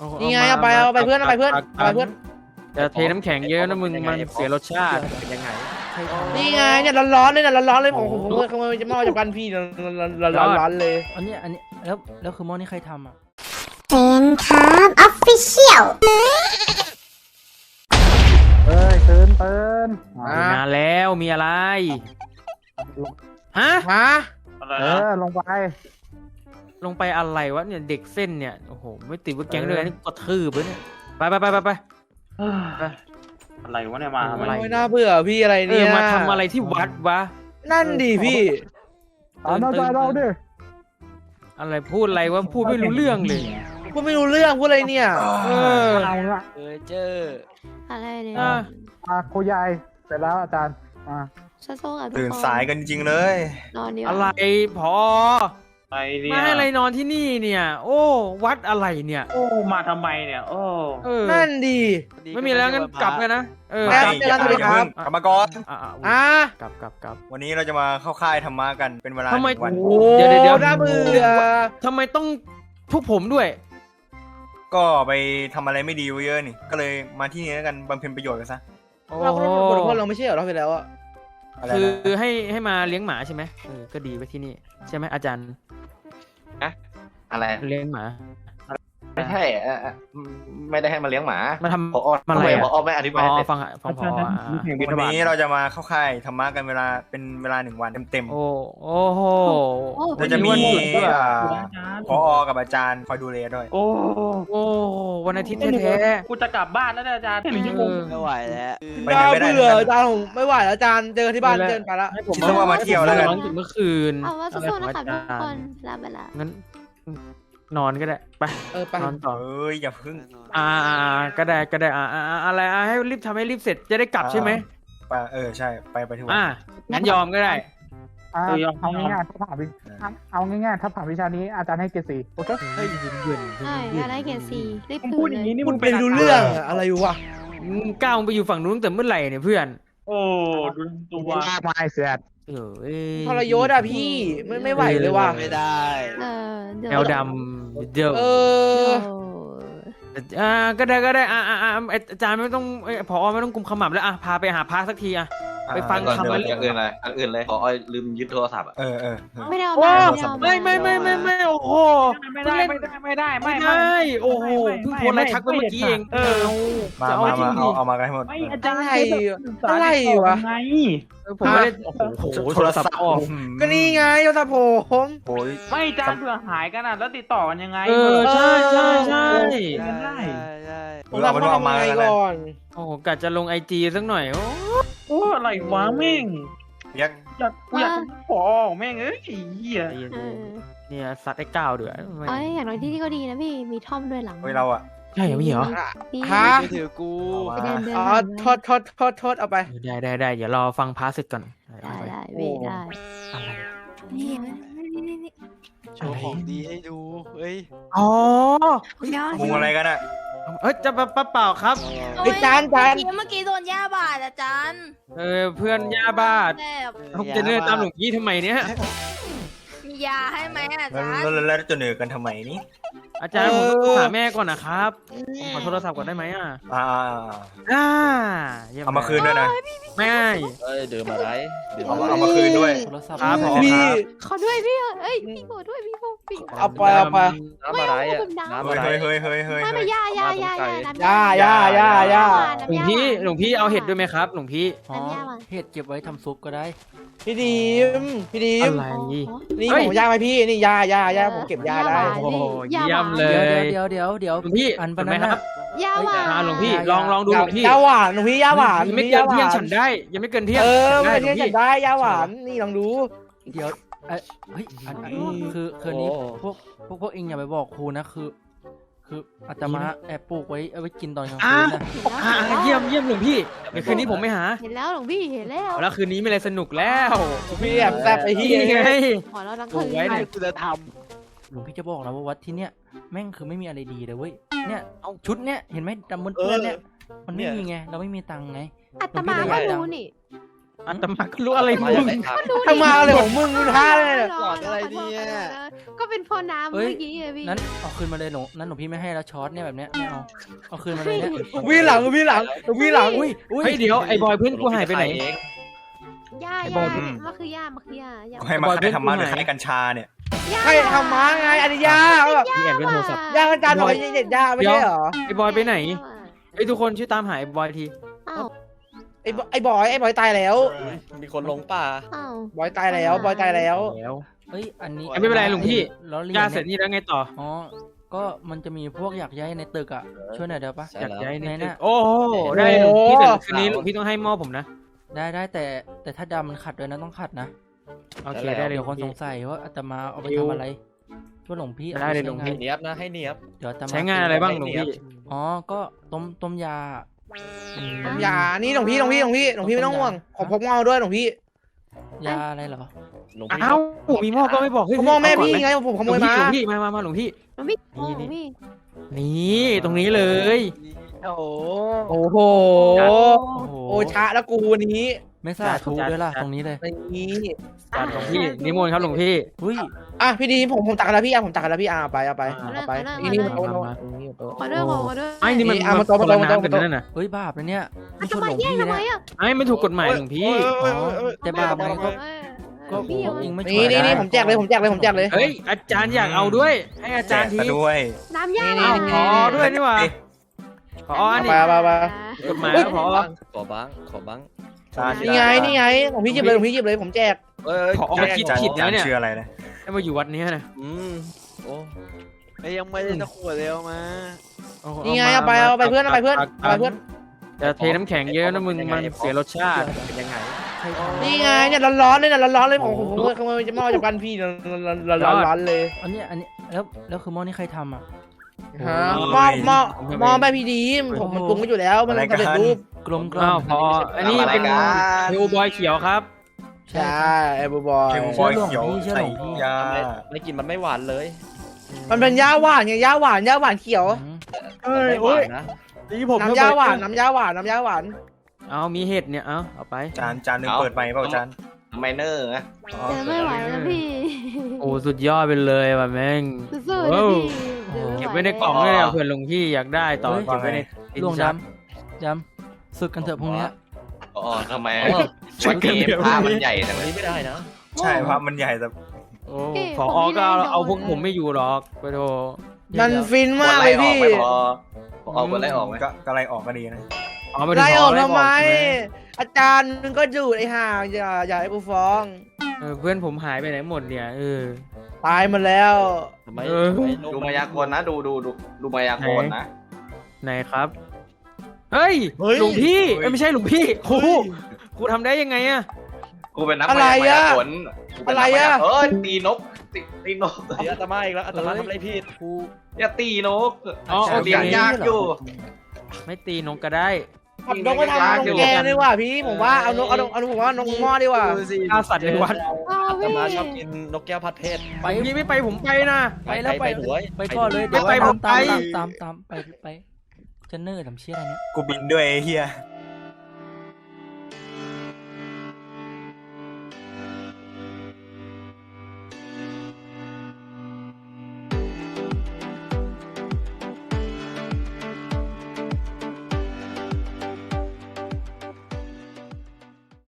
นี่ไงเอาไปเพื่อนเอาไปเพื่อนจะเทน้ำแข็งเยอะนะมึงมันเสียรสชาติเป็นยังไงนี่ไงเนี่ยร้อนๆเลยนะร้อนๆเลยผมขโมยจะหม้อจากกันพี่ร้อนๆเลยอันนี้แล้วคือหม้อนี่ใครทำอ่ะเป็นครับออฟฟิเชียลตื่นนานแล้วมีอะไรฮะลงไปอะไรวะเนี่ยเด็กเส้นเนี่ยโอ้โหไม่ติดว่าแก๊งด้วยนี่กระทืบเลยเนี่ยไปอะไรวะเนี่ยมาทำไมไม่น่าเบื่อพี่อะไรเนี่ยมาทำอะไรที่วัดวะนั่นดิพี่ตามใจเราดิอะไรพูดอะไรวะพูดไม่รู้เรื่องเลยพูดไม่รู้เรื่องพูดอะไรเนี่ยเอาละเจออะไรเนี่ยครูยายเสร็จแล้วอาจารย์โซ่กับทุกคนตื่นสายกันจริงเลยนอนเดียวอะไรพอไอเนี่ยมาให้อะไรนอนที่นี่เนี่ย โอ้วัดอะไรเนี่ยโอ้มาทำไมเนี่ยโอ้นั่นดีไม่มีแล้วงั้นกลับกันนะแล้วอย่าเพิ่งกลับมาก่อนกลับวันนี้เราจะมาเข้าค่ายธรรมะกันเป็นเวลาทำไม 1 วันเดี๋ยวน่าเบื่อทำไมต้องพวกผมด้วยก็ไปทำอะไรไม่ดีไว้เยอะนี่ก็เลยมาที่นี่แล้วกันบำเพ็ญประโยชน์กันซะเราก็ต้องบทลงโทษเราไม่ใช่เหรอเราไปแล้วอะอะไรคือนะให้มาเลี้ยงหมาใช่ไหมก็ดีไปที่นี่ใช่ไหมอาจารย์อะไรเลี้ยงหมาไม่ใช่ไม่ได้ให้มาเลี้ยงหมามาทำพอมาอะไรพอไม่อธิบายฟังพอวันนี้เราจะมาเข้าค่ายธรรมะกันเป็นเวลา1 วันเต็มโอ้โหๆเราจะมีผอกับอาจารย์คอยดูแลด้วยโอ้วันอาทิตย์แท้กูจะกลับบ้านแล้วเนี่ยอาจารย์1 ชั่วโมงไม่ไหวแล้วไปไหนน่าไม่ได้เบื่ออาจารย์ผมไม่ไหวแล้วอาจารย์เจอที่บ้านเจอไปแล้วให้ผมคิดซะว่ามาเที่ยวแล้วกันร้องถึงเมื่อคืนเอาว่าสู้ๆนะครับทุกคนลาไปละงั้นนอนก็ได้ไปไปนอนต่อเอ้ยอย่าพึ่งก็ได้อะไรให้รีบทำให้รีบเสร็จจะได้กลับใช่ไหมไปใช่ไปที่วัดงั้นยอมก็ได้เอาง่ายๆถ้าผ่านวิชานี้อาจารย์ให้เกรด4โอเคเฮ้ยเยืนใช่อยากได้เกรดซีรีบมึงคืพูดนอเลย่างนี้ยนี่คุมึณงเป็นรู้เรื่องอะไรวะก้าวไปอยู่ฝั่งนู้นแต่เมื่อไหร่เนี่ยเพื่อนโอ้ดูตัวไม่เสียดทรยศอะพี่ไม่ไหวเลยว่ะไม่ได้เดี๋ยวแนวดำเดิม ก็ได้อาจารย์ไม่ต้องผอไม่ต้องกุมขมับแล้วพาไปหาพระสักทีไปฟังคำอย่างอื่นเลยพอลืมยึดโทรศัพท์อ่ะไม่ได้เอาว้ามาไม่โอ้โหไม่ได้โอ้โหเพิ่งโพสอะไรทักไปเมื่อกี้เองมาเอามากันให้หมดไม่อาจารย์อะไรวะไงผมไม่ได้โอ้โหโทรศัพท์ออกก็นี่ไงโทรศัพท์ผมโอ้ยไม่อาจารย์เผื่อหายกันแล้วติดต่อกันยังไงใช่กันได้เราไม่ต้องเอามากันนะก่อนโอ้โหกะจะลงIGสักหน่อยโอ้อะไรวะแม่งยักกูอยากขอแม่งเหี้ยเนี่ยซัดไอ้ก้าวเดือดอย่างน้อยที่นี่ก็ดีนะพี่มีท่อมด้วยหลังเฮ้ยเราอะใช่ไม่เหรอฮะถือกูไปเดินอ๋อโทษเอาไปได้เดี๋ยวรอฟังพาร์ทเสร็จก่อนได้พี่ได้อะไรนี่โชว์ของดีให้ดูเฮ้ยอ๋อมุงอะไรกันอะจะเปล่าครับไอ้จานเมื่อกี้โดนย่าบาดอาจารย์เพื่อนย่าบ้าผมจะเดินตามหลวงพี่ทำไมเนี่ยมียาให้ไหมอาแล้วจารย์แล้วจะเหนื่อยกันทำไมนี่อาจารย์ผมหาแม่ก่อนนะครับผมขอโทรศัพท์ก่อนได้ไหมเอามาคืนด้วยนะไม่ดื่มอะไรเอามาคืนด้วยโทรศัพท์ครับผมพี่ขอด้วยพี่พี่ขอด้วยพี่พี่เอาไปน้ำอะไรอ่ะน้ำอะไรเฮ้ยไม่ย่าย่าหลวงพี่เอาเห็ดด้วยไหมครับหลวงพี่เห็ดเก็บไว้ทำซุปก็ได้พี่ดีมอะไรนี่ผมย่าไหมพี่นี่ย่าผมเก็บย่าได้โอ้โหเยี่ยมเลยเดี๋ยวหลวงพี่อันเป็ปะนไหมนั้นครับย่าหวานหลวงพี่ลองดูหลวงพี่ย่าหวานหลวงพี่ย่าหวานยังไม่เกินเที่ยงฉันได้ยังไม่เกินเที่ยงไม่เที่ยงฉันได้ย่าหวานนี่ลองดูเดี๋ยวเฮ้ยอันคือนี้พวกเองอย่าไปบอกครูนะคืออาตมาแอบปลูกไว้เอาไว้กินตอนกลางคืนนะเยี่ยมหลวงพี่เดี๋ยวคืนนี้ผมไม่หาเห็นแล้วหลวงพี่เห็นแล้วแล้วคืนนี้ไม่อะไรสนุกแล้วพี่แอบแซ่บไปที่ไงขอเราทั้งปลูคืกนไว้เนี่ยคุณธรรมหลวงพี่จะบอกนะว่าวัดที่เนี้ยแม่งคือไม่มีอะไรดีเลยเว้ยเนี่ยเอาชุดเนี้ยเห็นไหมดำบนเพื่อนเนี่ยมันไม่มีไงเราไม่มีตังค์ไงอาตมาก็รู้นี่อาตมาก็รู้อะไรมึงทำมาอะไรของมึงดูท่าเลยเนี่ยหลอดอะไรเนี่ยก็เป็นพ่อน้ำเฮ้เมื่ยอกี้อะพี่นั้นเอาคืนมาเลยหลวงนั้นหลวงพี่ไม่ให้แล้วช็อตเนี่ยแบบเนี้ยไม่เอาคืนมาเลยเนี่ยวิ่งหลังวิ่งหลังวิ่งหลังอุ้ยเฮ้ยเดี๋ยวไอ้บอยเพื่อนกูหายไปไหนย่าไอ้บอยมันคือย่ามันคือย่าก็ให้มาให้ธรรมะหรือให้กัญชาเนี่ยใครทำมาไงอันนี้ย่าแบบพี่แอนเป็นโทรศัพท์ย่าการบอกเด็ดย่าไม่ใช่เหรอไอ้บอยไปไหนไอ้ยทุกคนช่วยตามหาไอ้บอยทีอ้าวไอ้บอยตายแล้วมีคนลงป่าอ้าวบอยตายแล้วบอยตายแล้วแล้วเฮ้ยอันนี้ไม่เป็นไรหลวงพี่ล้อเลียนย่าเสร็จนี่แล้วไงต่ออ๋อก็มันจะมีพวกอยากย้ายในตึกอ่ะช่วยหน่อยเดี๋ยวปะใช่อยากแล้วย้ายในไหนตึกน่ะโอ้โหได้หลวงพี่แต่คืนนี้หลวงพี่ต้องให้หม้อผมนะได้แต่ถ้าดำมันขัดด้วยนะต้องขัดนะโอเคได้เลยเดี๋ยวหลควน งสพี่งสัยว่าอาตมาเอาไปดิวทำอะไรช่วยหลวงพี่ได้เลยหลวงพี่ให้เนียบนะให้เนียบเดี๋ยวอาตมาใช้งานอะไรบ้างหลวงพี่อ๋อก็ต้มยาอย่านี่หลวงพี่ไม่ต้องห่วงขอพกเงาด้วยหลวงพี่ยาอะไรเหรอหลวงพี่อ้าวมีหม้อก็ไม่บอกเฮ้ยผมมองแม่พี่ไงผมขหโมลวงยพี่มาหลวงพี่มาหลวงพี่มันไม่โอ้พี่นี่ตรงนี้เลยโอ้โหโอ้โหโอ้โหโอชะแล้วกูวันนี้ไม่สาธุด้วยล่ะตรงนี้เลยนี่จัดหลวงพี่นิมนต์ครับหลวงพี่อุ้ยอ่ะพี่ดีผมตักกันแล้วพี่ผมตักกันแล้วพี่เอาไปนี่มาขอด้วยขอด้วยไอ้นี่มันเอามาโต๊ะคนละมาโต๊ะน้ำกันนั่นน่ะเฮ้ยบาปนะเนี่ยอาไม่จช่จะวยหมาลวงแย่งพี่ทำไมเนี่ยอ่ะไอ้ไม่ถูกกฎหมายหลวงพี่อ๋อแต่บาปไงก็พพี่วกเองไม่ช่นี่วยนี่ได้ผมแจกเลยเฮ้ยอาจารย์อยากเอาด้วย ให้อาแจจารกย์ทีซะด้วยน้ำย่านี่ขอด้วยนี่หว่าขออันนี้ไปกฎหมายแล้วขอขอบ้างนี่ไงผมพี่หยิบเลยผมแจกขอคิดจานผิดจานะนเนี่ยชื่ออะไรนะให้มาอยู่วัดนี้นะโอ้ยังไม่ได้ตะขวดเร็วมานี่ไงเอาไปเพื่อนจะเทน้ำแข็งเยอะนะมึงมันเสียรสชาติเป็นยังไงใครทำนี่ไงเนี่ยร้อนเลยผมขโมยจะมาจากบ้านพี่ร้อนเลยอันนี้แล้วคือหม้อนี่ใครทำอ่ะฮะมอแม่พี่ดีผมมันปรุงไว้อยู่แล้วมันสำเร็จรูปกลมกลอ้าวมพออันนี้เป็นเทวบอยเขียวครับใช่ไอ้บอยเทวบอยเขียวใส่ยาไม่กินมันไม่หวานเลยมันเป็นย่าหวานไงย่าหวานเขียวไม่หวานนะน้ำย่าหวานเอามีเห็ดเนี่ยเอาไปจานนึงเปิดไปเปล่าจานไมเนอร์นะแต่ไม่ไหวแล้วพี่โอ้สุดยอดไปเลยว่ะแม่งสู้ๆนะพี่เก็บไว้ในกล่องเลยเผื่อหลวงพี่อยากได้ต่อเก็บไว้ในล่วงดำศึกกันเถอะพรุ่งนี้อ๋อทำไมวันนี้ภาพมันใหญ่จังอันเลยนี้ไม่ได้นะใช่ภาพมันใหญ่แต่โอ้ผอก็เอาพวกผมไม่อยู่หรอกไปโทมันฟินมากเลยพี่พอเอาคนไล่ออกไหมก็ไล่ออกก็ดีนะไล่ออกทำไม อาจารย์มึงก็ดูดไอ้ห่าอย่าให้กูฟ้องเพื่อนผมหายไปไหนหมดเนี่ยตายหมดแล้วทำไมดูมายากลนะดูมายากลนะไหนครับเฮ้ยหลวงพี่ไม่ใช่หลวงพี่ครูทำได้ยังไงอะกูเป็นนักมายากลตีนกตีนกอาตมาอีกแล้วอาตมาทำอะไรผิดครูอย่าตีนกเลี้เลี้ยงยากอยู่ไม่ตีนกก็ได้ขับนกไปทำนกแกดีกว่าพี่ผมว่าเอานกผมว่านกหม้อดีกว่าฆ่าสัตว์ในวัดอาตมาชอบกินนกแก้วผัดเผ็ดไปพี่ไม่ไปผมไปนะไปแล้วไปหวยไปก่อนเลยไม่ไปผมไปตามไปจะเนิ่ร์ทำเชี่ยอะไรเนี่ยกูบินด้วยไอ้เฮีย